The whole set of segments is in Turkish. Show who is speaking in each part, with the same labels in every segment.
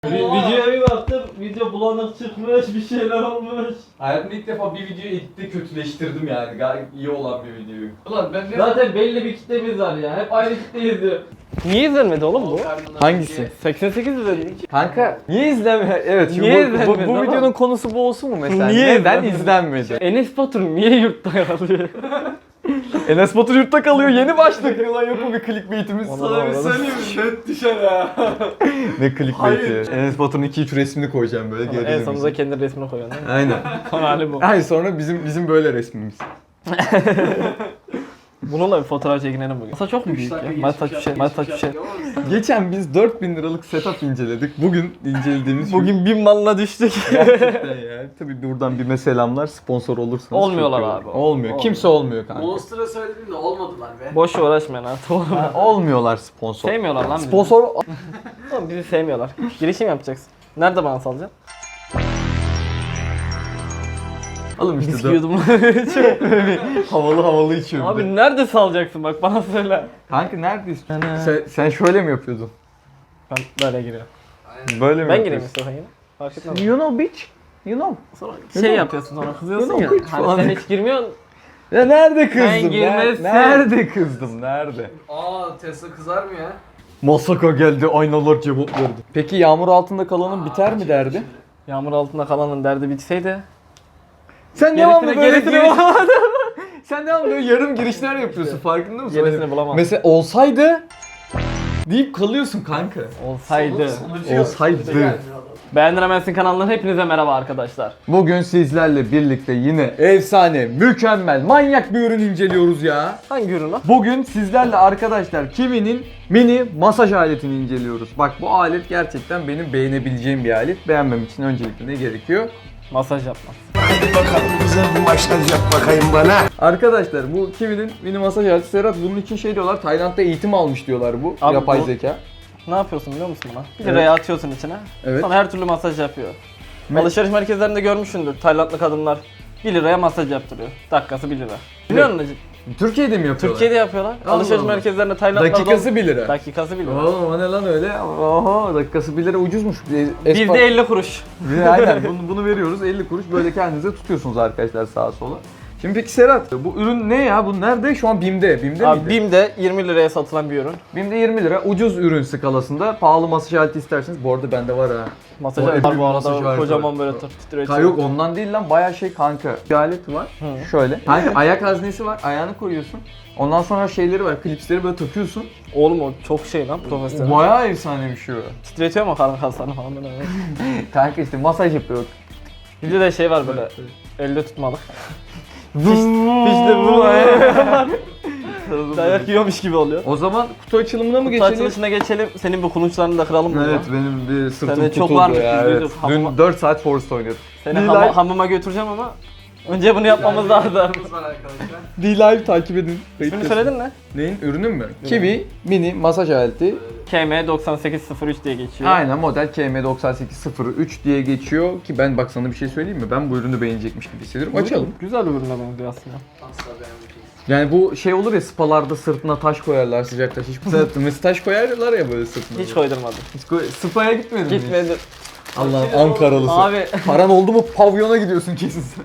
Speaker 1: Videoya bir baktım, video bulanık çıkmış, bir şeyler olmuş.
Speaker 2: Hayatımda ilk defa bir videoyu editte kötüleştirdim yani. Gayet iyi olan bir videoyu. Ulan ben ne...
Speaker 1: Zaten belli bir kitlemiz var ya, hep aynı kitle izliyor.
Speaker 3: Niye izlenmedi oğlum bu?
Speaker 2: Hangisi?
Speaker 3: 88 izledik.
Speaker 2: Kanka niye izlenmedi? Evet şimdi
Speaker 3: Niye
Speaker 2: bu
Speaker 3: izlenmedi
Speaker 2: videonun konusu bu olsun mu mesela?
Speaker 3: Niye
Speaker 2: Neden
Speaker 3: izlenmedi?
Speaker 2: izlenmedi?
Speaker 3: Enes Batur niye yurtta kalıyor?
Speaker 2: Enes Batur yurtta kalıyor, yeni başladık. Ulan yok mu bir clickbait'imiz?
Speaker 3: Sana bir söyleyeyim
Speaker 1: mi? Net düşer ha.
Speaker 2: Ne clickbait'i? Enes Batur'un 2-3 resmini koyacağım böyle
Speaker 3: En
Speaker 2: gerilim.
Speaker 3: sonunda kendi resmini koyuyorsun değil mi?
Speaker 2: Aynen.
Speaker 3: Son hali bu.
Speaker 2: Hayır sonra bizim böyle resmimiz.
Speaker 3: Bununla bir fotoğraf çekinelim bugün. Masa çok mu büyük ya? Masa bir şey.
Speaker 2: Geçen biz 4000 liralık setup inceledik. Bugün incelediğimiz
Speaker 3: Bugün 1000 malla düştük.
Speaker 2: gerçekten ya. Tabii buradan bir selamlar. Sponsor olursanız.
Speaker 3: Olmuyorlar
Speaker 2: çok iyi
Speaker 3: abi.
Speaker 2: olur. Olmuyor. Kimse olmuyor kanka.
Speaker 1: Monster'a söyledim de olmadılar be.
Speaker 3: Boş uğraşmayın artık oğlum.
Speaker 2: Ha, olmuyorlar sponsor.
Speaker 3: Sevmiyorlar lan bizi.
Speaker 2: Sponsor
Speaker 3: Oğlum bizi sevmiyorlar. Girişim yapacaksın. Nerede bana salacaksın?
Speaker 2: alın işte.
Speaker 3: Viski yudum.
Speaker 2: Havalı içiyorum.
Speaker 3: Abi nerede salacaksın bak bana söyle.
Speaker 2: Kanka nerede istiyorsun? Sen şöyle mi yapıyordun?
Speaker 3: Ben böyle giriyorum.
Speaker 2: Böyle mi
Speaker 3: Ben gireyim
Speaker 2: yapıyorsun?
Speaker 3: istiyorsan yine. Fark etmez.
Speaker 2: You know bitch. You know.
Speaker 3: Sonra şey yapıyorsun sonra kızıyorsun ya.
Speaker 2: Yok,
Speaker 3: Hani
Speaker 2: falan.
Speaker 3: sen hiç girmiyorsun.
Speaker 2: Ya nerede kızdım?
Speaker 3: Sen girmezsin.
Speaker 2: Nerede kızdım? Nerede?
Speaker 1: Aa Tesla kızar mı ya?
Speaker 2: Masaka geldi, aynalar cevap verdi. Peki yağmur altında kalanın biter mi derdi?
Speaker 3: Yağmur altında kalanın derdi bitseydi.
Speaker 2: Sen devamlı böyle
Speaker 3: gerisini
Speaker 2: giriş... Sen devamlı böyle yarım girişler yapıyorsun, farkında mısın?
Speaker 3: Gerisini bulamam.
Speaker 2: Mesela olsaydı deyip kalıyorsun kanka.
Speaker 3: Olsaydı.
Speaker 2: Olsaydı.
Speaker 3: Beğendiremezsin kanalından hepinize merhaba arkadaşlar.
Speaker 2: Bugün sizlerle birlikte yine efsane, mükemmel, manyak bir ürün inceliyoruz ya.
Speaker 3: Hangi ürün lan?
Speaker 2: Bugün sizlerle arkadaşlar Kiwi'nin mini masaj aletini inceliyoruz. Bak bu alet gerçekten benim beğenebileceğim bir alet. Beğenmem için öncelikle ne gerekiyor?
Speaker 3: Masaj yapmak.
Speaker 4: Hadi bakalım bize bir masaj yap bakayım bana.
Speaker 2: Arkadaşlar bu Kiwi'nin mini masaj aleti. Serhat bunun için şey diyorlar, Tayland'da eğitim almış diyorlar bu.
Speaker 3: Abi
Speaker 2: yapay
Speaker 3: bu-
Speaker 2: zeka.
Speaker 3: Ne yapıyorsun biliyor musun buna? 1
Speaker 2: Evet.
Speaker 3: liraya atıyorsun içine.
Speaker 2: Evet.
Speaker 3: Sonra her türlü masaj yapıyor. Alışveriş merkezlerinde görmüşsündür. Taylandlı kadınlar 1 liraya masaj yaptırıyor. Dakikası 1 lira. Biliyor musun Necip?
Speaker 2: Türkiye'de mi yapıyorlar?
Speaker 3: Türkiye'de yapıyorlar.
Speaker 2: Allah
Speaker 3: Alışveriş
Speaker 2: Allah.
Speaker 3: merkezlerinde Taylandlarda...
Speaker 2: Dakikası 1 lira.
Speaker 3: Dakikası 1 lira.
Speaker 2: Oğlum o ne lan öyle? Oho dakikası 1 lira ucuzmuş.
Speaker 3: Bir de 50 kuruş.
Speaker 2: Aynen bunu veriyoruz 50 kuruş böyle kendinize tutuyorsunuz arkadaşlar sağa sola. Şimdi peki Serhat bu ürün ne ya? Bu nerede? Şu an BİM'de. BİM'de
Speaker 3: Abi
Speaker 2: miydi?
Speaker 3: BİM'de 20 liraya satılan bir ürün.
Speaker 2: BİM'de 20 lira ucuz ürün skalasında. Pahalı masaj aleti isterseniz bu arada bende var ha.
Speaker 3: Masaj
Speaker 2: Bu
Speaker 3: aleti var bu
Speaker 2: masaj
Speaker 3: arada.
Speaker 2: aleti
Speaker 3: Kocaman
Speaker 2: var.
Speaker 3: böyle titretiyor.
Speaker 2: Yok ondan değil lan bayağı şey kanka. Bir alet var.
Speaker 3: Hı.
Speaker 2: Şöyle. Kanka ayak haznesi var. Ayağını koyuyorsun. Ondan sonra şeyleri var. Klipsleri böyle takıyorsun.
Speaker 3: Oğlum o çok şey lan profesyonel.
Speaker 2: Bayağı efsane bir şey o.
Speaker 3: Titretiyor mu karın kaslarını falan böyle.
Speaker 2: Kanka işte masaj yapıyor.
Speaker 3: Bir de şey var böyle. Elde tutmalık.
Speaker 2: İşte
Speaker 3: bu. Dayak yiyormuş gibi oluyor.
Speaker 2: O zaman kutu açılımına mı
Speaker 3: Kutu
Speaker 2: geçelim?
Speaker 3: açılışına geçelim. Senin bu kulunçlarını da kıralım mı?
Speaker 2: Evet benim bir sırtım
Speaker 3: Sende çok
Speaker 2: tutuldu
Speaker 3: varmış,
Speaker 2: ya.
Speaker 3: biz
Speaker 2: Evet.
Speaker 3: duyduk.
Speaker 2: Dün
Speaker 3: Hamama-
Speaker 2: 4 saat Forest oynadık.
Speaker 3: Seni
Speaker 2: D-Live.
Speaker 3: hamama götüreceğim ama önce bunu yapmamız lazım.
Speaker 1: Var arkadaşlar.
Speaker 2: D-Live takip edin.
Speaker 3: İsmini söyledin mi?
Speaker 2: Neyin? Ürünün mü? Kiwi mini masaj aleti.
Speaker 3: KM9803 diye geçiyor.
Speaker 2: Aynen model KM9803 diye geçiyor ki ben bak sana bir şey söyleyeyim mi? Ben bu ürünü beğenecekmiş gibi hissediyorum. Açalım.
Speaker 3: Güzel bir ürüne benziyor aslında.
Speaker 1: Asla beğenmeyeceğiz.
Speaker 2: Yani bu şey olur ya spalarda sırtına taş koyarlar sıcak taş. Hiç mesela taş koyarlar ya böyle sırtına.
Speaker 3: Hiç koydurmadım.
Speaker 2: Spa'ya gitmedin mi?
Speaker 3: Gitmedi.
Speaker 2: Allah'ım Ankaralısı.
Speaker 3: Abi
Speaker 2: Paran oldu mu pavyona gidiyorsun kesin sen.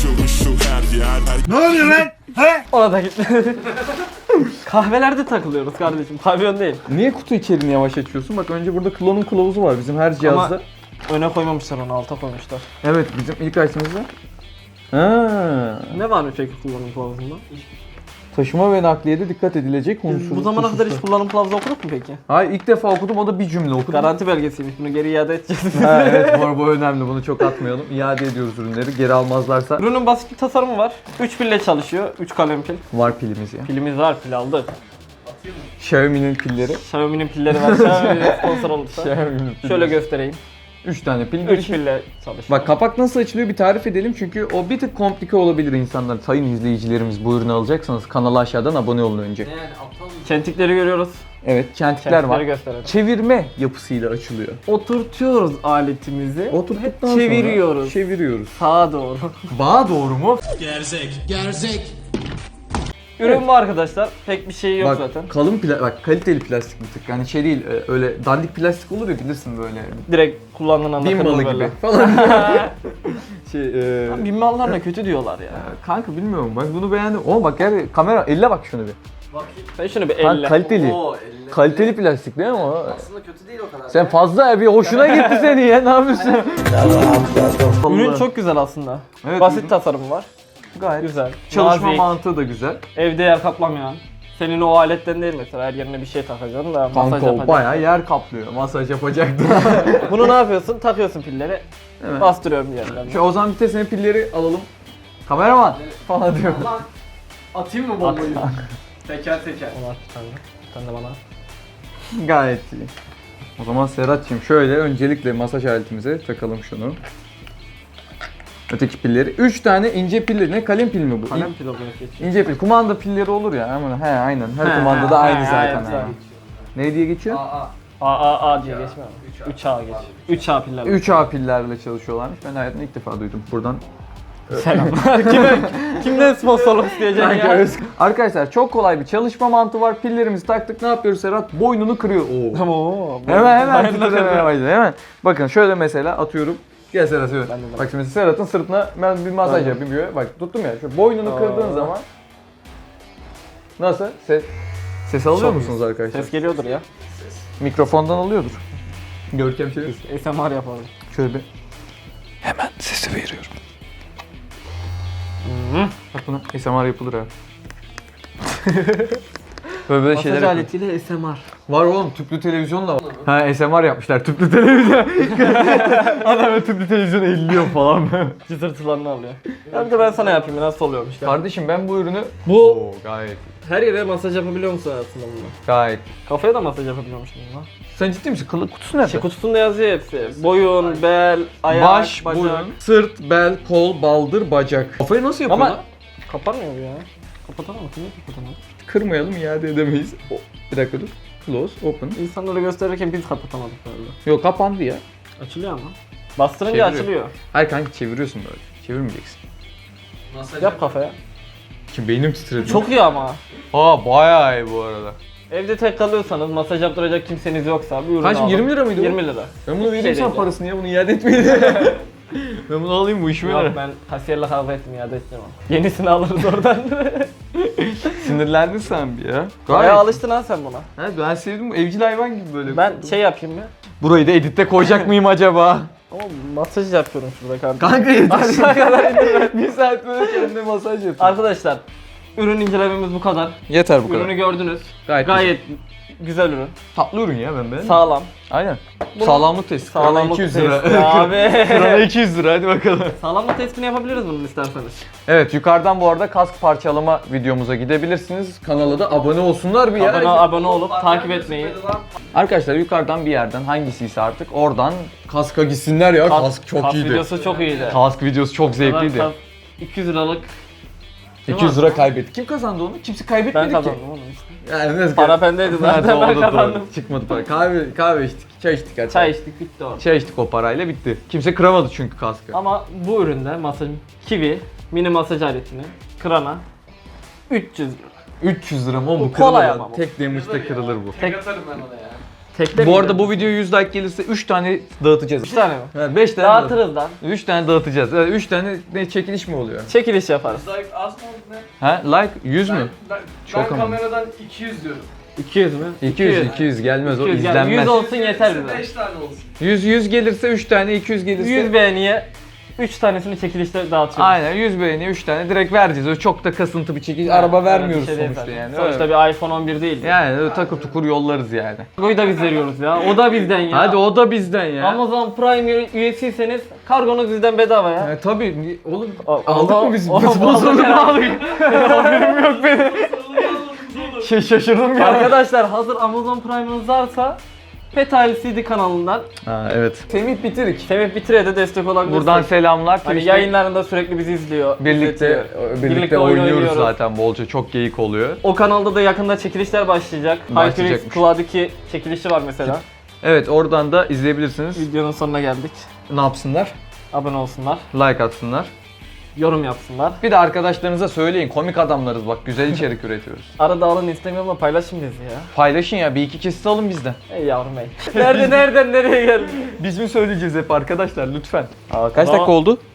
Speaker 4: Ne oluyor lan? He?
Speaker 3: ona da gitmedi. Kahvelerde takılıyoruz kardeşim. Pavyon değil.
Speaker 2: Niye kutu içeriğini yavaş açıyorsun? Bak önce burada klonun kılavuzu var bizim her cihazda.
Speaker 3: Öne koymamışlar onu, alta koymuşlar.
Speaker 2: Evet bizim ilk açtığımızda. Ha.
Speaker 3: Ne var mı peki kullanım kılavuzunda?
Speaker 2: Taşıma ve nakliyede dikkat edilecek
Speaker 3: Bu zamana kadar hiç kullanım kılavuzu okuduk mu peki?
Speaker 2: Hayır ilk defa okudum o da bir cümle okudum.
Speaker 3: Garanti belgesiymiş. Bunu geri iade edeceğiz.
Speaker 2: Ha, evet bu önemli bunu çok atmayalım. İade ediyoruz ürünleri geri almazlarsa.
Speaker 3: Ürünün basit bir tasarımı var. 3 pille çalışıyor. 3 kalem pil.
Speaker 2: Var pilimiz ya.
Speaker 3: Pilimiz var, pil aldık.
Speaker 2: Xiaomi'nin pilleri.
Speaker 3: Xiaomi'nin pilleri var. Xiaomi'nin sponsor olursa.
Speaker 2: Xiaomi'nin pilleri.
Speaker 3: Şöyle göstereyim.
Speaker 2: 3 tane pil.
Speaker 3: 3 pille çalışıyor.
Speaker 2: Bak kapak nasıl açılıyor bir tarif edelim çünkü o bir tık komplike olabilir insanlar. Sayın izleyicilerimiz bu ürünü alacaksanız kanala aşağıdan abone olun önce.
Speaker 1: Ne yani aptal mı?
Speaker 3: Çentikleri görüyoruz.
Speaker 2: Evet çentikler
Speaker 3: Çentikleri
Speaker 2: var.
Speaker 3: gösterelim.
Speaker 2: Çevirme yapısıyla açılıyor.
Speaker 3: Oturtuyoruz aletimizi.
Speaker 2: Oturttuktan sonra
Speaker 3: çeviriyoruz.
Speaker 2: Çeviriyoruz.
Speaker 3: Sağa doğru.
Speaker 2: Bağa doğru mu?
Speaker 4: Gerzek.
Speaker 3: Ürün bu arkadaşlar. Pek bir şey yok
Speaker 2: Bak
Speaker 3: zaten.
Speaker 2: kalın bak kaliteli plastik bir tık. Yani şey değil öyle dandik plastik olur ya bilirsin böyle.
Speaker 3: Direkt kullandığın anda
Speaker 2: Bin
Speaker 3: kırılır
Speaker 2: malı
Speaker 3: böyle.
Speaker 2: gibi falan.
Speaker 3: Lan bin mallar da kötü diyorlar ya.
Speaker 2: Kanka bilmiyorum bak bunu beğendim. Oğlum bak yani kamera elle bak şunu bir.
Speaker 3: Ben şunu bir
Speaker 2: Kanka
Speaker 3: elle.
Speaker 2: kaliteli. Kaliteli plastik değil mi o?
Speaker 1: Aslında kötü değil o kadar.
Speaker 2: Sen fazla bir hoşuna gitti senin ya ne yapıyorsun?
Speaker 3: Ürün çok güzel aslında.
Speaker 2: Evet,
Speaker 3: Basit
Speaker 2: ürün
Speaker 3: tasarımı var.
Speaker 2: gayet
Speaker 3: Güzel.
Speaker 2: çalışma
Speaker 3: nazik,
Speaker 2: mantığı da güzel.
Speaker 3: evde yer kaplamayan. Senin o aletten değil mesela her yerine bir şey takacaksın da masaj
Speaker 2: Kanka o
Speaker 3: yapacaksın.
Speaker 2: bayağı yer kaplıyor. Masaj yapacaktı.
Speaker 3: Bunu ne yapıyorsun? Takıyorsun pilleri.
Speaker 2: Evet.
Speaker 3: Bastırıyorum bir yerden.
Speaker 2: Şu o zaman bir de senin pilleri alalım. Kameraman falan diyor.
Speaker 1: Atayım mı bombayı? Teker teker.
Speaker 3: Onu at bir tane. Bir tane de bana.
Speaker 2: Gayet iyi. O zaman Serhat'cığım şöyle öncelikle masaj aletimize takalım şunu. Öteki pilleri. 3 tane ince pilleri. Ne kalem pil mi bu?
Speaker 3: Kalem pil olarak geçiyor.
Speaker 2: İnce pil. Kumanda pilleri olur ya. Ama he aynen. Her kumandada aynı zaten. Ha. Ne diye geçiyor?
Speaker 3: A diye geçmiyor mu? 3A geç. 3A piller.
Speaker 2: 3A pillerle çalışıyorlarmış. Ben hayatımda ilk defa duydum. Buradan
Speaker 3: Selamlar. Kimden sponsorluk isteyeceksin ya?
Speaker 2: Arkadaşlar çok kolay bir çalışma mantığı var. Pillerimizi taktık. Ne yapıyoruz Serhat? Boynunu kırıyor. Oo.
Speaker 3: Tamam.
Speaker 2: Hemen titremeye başladı. Hemen. Bakın şöyle mesela atıyorum. Gel Serhat söyle.
Speaker 3: Ben de
Speaker 2: Bak şimdi Serhat'ın sırtına ben bir masaj yapayım diyor. Bak tuttum ya. Şu boynunu kırdığın zaman nasıl? Ses alıyor
Speaker 3: Çok
Speaker 2: musunuz arkadaşlar?
Speaker 3: Ses geliyordur ya.
Speaker 2: Mikrofondan alıyordur. Görkem şey.
Speaker 3: ASMR yapalım.
Speaker 2: Şöyle bir. Hemen sesi veriyorum. Bak buna ASMR yapılır ha. Böyle şeyler yapılır.
Speaker 3: aletiyle ASMR.
Speaker 2: Var oğlum tüplü televizyon da var. Ha ASMR yapmışlar tüplü televizyon. Adam böyle tüplü televizyon elliyor falan böyle.
Speaker 3: Cızırtılarını alıyor. Ya bir de ben sana yapayım nasıl oluyormuş. Gel.
Speaker 2: Kardeşim ben bu ürünü...
Speaker 3: Bu-
Speaker 2: Oo, gayet
Speaker 3: Her yere masaj yapabiliyor musun aslında bunu?
Speaker 2: gayet.
Speaker 3: Kafaya da masaj yapabiliyormuşsun bunu.
Speaker 2: Sen ciddi misin? Kutusu nerede?
Speaker 3: Şey kutusunda yazıyor hepsi. Boyun, bel, ayak,
Speaker 2: Baş,
Speaker 3: bacak.
Speaker 2: boyun, sırt, bel, kol, baldır, bacak. Kafayı nasıl yapıyorlar?
Speaker 3: Ama kapanmıyor bu ya. Kapatamam mı? Niye kapatamam?
Speaker 2: Kırmayalım iade edemeyiz. Bir dakika dur. Close, open.
Speaker 3: İnsanlara gösterirken biz kapatamadık böyle.
Speaker 2: Yok kapandı ya.
Speaker 3: Açılıyor ama. Bastırınca
Speaker 2: Çeviriyor.
Speaker 3: açılıyor.
Speaker 2: Hayır kanka çeviriyorsun böyle. Çevirmeyeceksin.
Speaker 3: Yap kafaya.
Speaker 2: Kim beynim titredi.
Speaker 3: Çok iyi ama.
Speaker 2: Aa bayağı iyi bu arada.
Speaker 3: Evde tek kalıyorsanız, masaj yaptıracak kimseniz yoksa bir ürün
Speaker 2: Kaç,
Speaker 3: alın.
Speaker 2: 20 lira mıydı bu?
Speaker 3: 20 lira.
Speaker 2: Ben bunu vereyim
Speaker 3: Şey
Speaker 2: sana
Speaker 3: değil
Speaker 2: parasını ya bunu iade etmeyin. Ben bunu alayım bu işime
Speaker 3: Yok
Speaker 2: yarar.
Speaker 3: ben kasiyerle kavga ettim iade edeceğim ama. Yenisini alırız oradan.
Speaker 2: Sinirlendin sen bir ya.
Speaker 3: Bayağı alıştın ha sen buna.
Speaker 2: Ha, ben sevdim bu evcil hayvan gibi böyle.
Speaker 3: Ben şey yapayım mı?
Speaker 2: Burayı da editte koyacak mıyım acaba?
Speaker 3: Ama masaj yapıyorum şurada kardeşim.
Speaker 2: Kanka yeter.
Speaker 3: Aşağı kadar indirme.
Speaker 2: Bir saat böyle kendine masaj yapıyor.
Speaker 3: Arkadaşlar ürün incelememiz bu kadar.
Speaker 2: Yeter bu kadar.
Speaker 3: Ürünü gördünüz.
Speaker 2: Gayet,
Speaker 3: Gayet güzel ürün.
Speaker 2: tatlı ürün ya ben beğendim.
Speaker 3: Sağlam.
Speaker 2: Aynen.
Speaker 3: Bunu-
Speaker 2: Sağlamlık testi.
Speaker 3: Sağlamlık
Speaker 2: 200 lira.
Speaker 3: testi abi.
Speaker 2: Krana 200 lira hadi bakalım.
Speaker 3: Sağlamlık testini yapabiliriz bunu isterseniz.
Speaker 2: Evet yukarıdan bu arada kask parçalama videomuza gidebilirsiniz. Kanala da abone olsunlar bir ya.
Speaker 3: Abone olup takip etmeyi.
Speaker 2: Arkadaşlar yukarıdan bir yerden hangisiyse artık oradan kaska gitsinler ya. Kask çok
Speaker 3: kask
Speaker 2: iyiydi.
Speaker 3: videosu çok iyiydi.
Speaker 2: Kask videosu çok zevkliydi.
Speaker 3: Kask 200 liralık
Speaker 2: 200 lira kaybetti. Kim kazandı onu? Kimse kaybetmedi
Speaker 3: ben
Speaker 2: ki.
Speaker 3: kazandım oğlum işte.
Speaker 2: Yani nasıl
Speaker 3: Para bendeydi zaten ben kazandım.
Speaker 2: Çıkmadı para. Kahve içtik, çay içtik hatta.
Speaker 3: Çay içtik bitti o.
Speaker 2: Çay içtik o parayla bitti. Kimse kıramadı çünkü kaskı.
Speaker 3: Ama bu üründe masaj Kiwi mini masaj aletini kırana 300 lira.
Speaker 2: 300 lira mı oğlum bu
Speaker 3: kolay
Speaker 2: kırılır.
Speaker 3: ama bu.
Speaker 2: Tek damage'da kırılır bu.
Speaker 3: Tek,
Speaker 1: Atarım ben ona ya.
Speaker 3: tekte
Speaker 2: Bu arada bu video 100 like gelirse 3 tane dağıtacağız.
Speaker 3: 3 tane mi?
Speaker 2: Evet, 5 tane
Speaker 3: Dağıtırız lan.
Speaker 2: 3 tane dağıtacağız. 3 tane ne çekiliş mi oluyor?
Speaker 3: Çekiliş yaparız.
Speaker 1: Like az mı oldu ne?
Speaker 2: Ha like 100 mü?
Speaker 1: Ben
Speaker 2: Çok ama.
Speaker 1: kameradan 200 diyorum.
Speaker 3: 200 mü?
Speaker 2: 200 gelmez o
Speaker 3: 200 yani
Speaker 2: izlenmez.
Speaker 3: 100 olsun yeter bize.
Speaker 1: 5 tane olsun.
Speaker 2: 100 gelirse 3 tane 200 gelirse
Speaker 3: 100 beğeniye 3 tanesini çekilişte dağıtıyoruz.
Speaker 2: Aynen 100 beğeni 3 tane direkt vereceğiz. O çok da kasıntı bir çekiliş. Araba vermiyoruz
Speaker 3: Bir şey değil
Speaker 2: sonuçta
Speaker 3: zaten.
Speaker 2: yani.
Speaker 3: Sonuçta
Speaker 2: Öyle.
Speaker 3: bir iPhone 11 değil.
Speaker 2: Yani öyle takır tukur yollarız yani.
Speaker 3: Kargoyu da biz veriyoruz ya. O da bizden ya.
Speaker 2: Hadi o da bizden ya.
Speaker 3: Amazon Prime üyesiyseniz kargonuz bizden bedava ya.
Speaker 2: Tabii oğlum
Speaker 3: O-
Speaker 2: aldık
Speaker 3: o-
Speaker 2: mı biz?
Speaker 3: o-
Speaker 2: Sponsorluk
Speaker 3: o-
Speaker 2: aldık. Haberim yok benim. Şaşırdım ya.
Speaker 3: Arkadaşlar hazır Amazon Prime'ınız varsa Petal CD kanalından
Speaker 2: Ha evet. Semih Bitirik.
Speaker 3: Semih Bitire'ye de destek olabilirsiniz.
Speaker 2: Buradan selamlar.
Speaker 3: hani
Speaker 2: Twitch'te
Speaker 3: yayınlarında sürekli bizi izliyor.
Speaker 2: birlikte
Speaker 3: Birlikte oyun
Speaker 2: oynuyoruz
Speaker 3: oynuyoruz.
Speaker 2: zaten bolca. Çok geyik oluyor.
Speaker 3: O kanalda da yakında çekilişler başlayacak. Hyperx
Speaker 2: Başlayacakmış.
Speaker 3: Cloud 2 çekilişi var mesela.
Speaker 2: Evet oradan da izleyebilirsiniz.
Speaker 3: Videonun sonuna geldik.
Speaker 2: Ne yapsınlar?
Speaker 3: Abone olsunlar.
Speaker 2: Like atsınlar.
Speaker 3: yorum yapsınlar.
Speaker 2: Bir de arkadaşlarınıza söyleyin, komik adamlarız bak, güzel içerik üretiyoruz.
Speaker 3: Arada alın Instagram'da paylaşın bizi ya.
Speaker 2: Paylaşın ya, bir iki kesit alın bizden.
Speaker 3: Ey yavrum ey. Nereden nereye geldi?
Speaker 2: Biz mi söyleyeceğiz hep arkadaşlar lütfen. Kaç
Speaker 3: Tamam.
Speaker 2: dakika oldu?